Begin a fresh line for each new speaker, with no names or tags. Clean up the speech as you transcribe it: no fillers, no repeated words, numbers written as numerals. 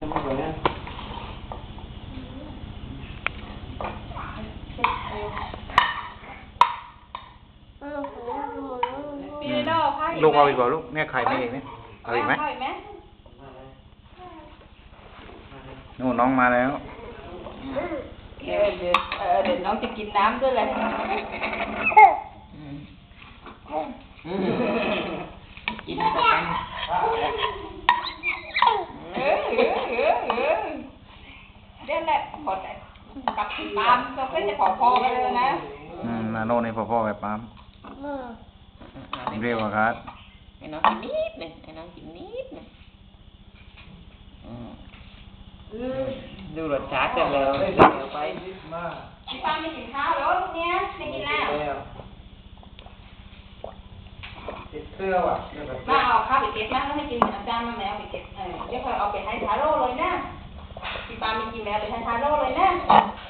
ลูกเอาอีกเปล่าลูกเนี่ยไข่ไม่เองเนี่ยเอาอีกไหมนู่นน้องมาแล้ว
เดี๋ยวน้องจะกินน้ำด้วยเลยกินไปกันเดี๋ยวแหละพอกับปามก็จะพอๆกันเลยนะ
นาโน่ในพ่อแบบปั๊มเรียกว่าครับ
ไอ้น้องกินนิดนึงไอ้น้องกินนิดนึงดูรสชาติกันแล้วเดี๋ยวไปพี่ปามไม่กินข้าวแล้วลูกเนี้ยไม่กินแล้ว
ติดเสื้อว่ะ
มาเอาข้าวไปเก็บมาแล้วให้กินอาจารย์มาแมวไปเก็บเดี๋ยวค่อยเอาไปให้ทาโร่เลยนะพี่ปามไม่กินแมวไปให้ทาโร่เลยนะ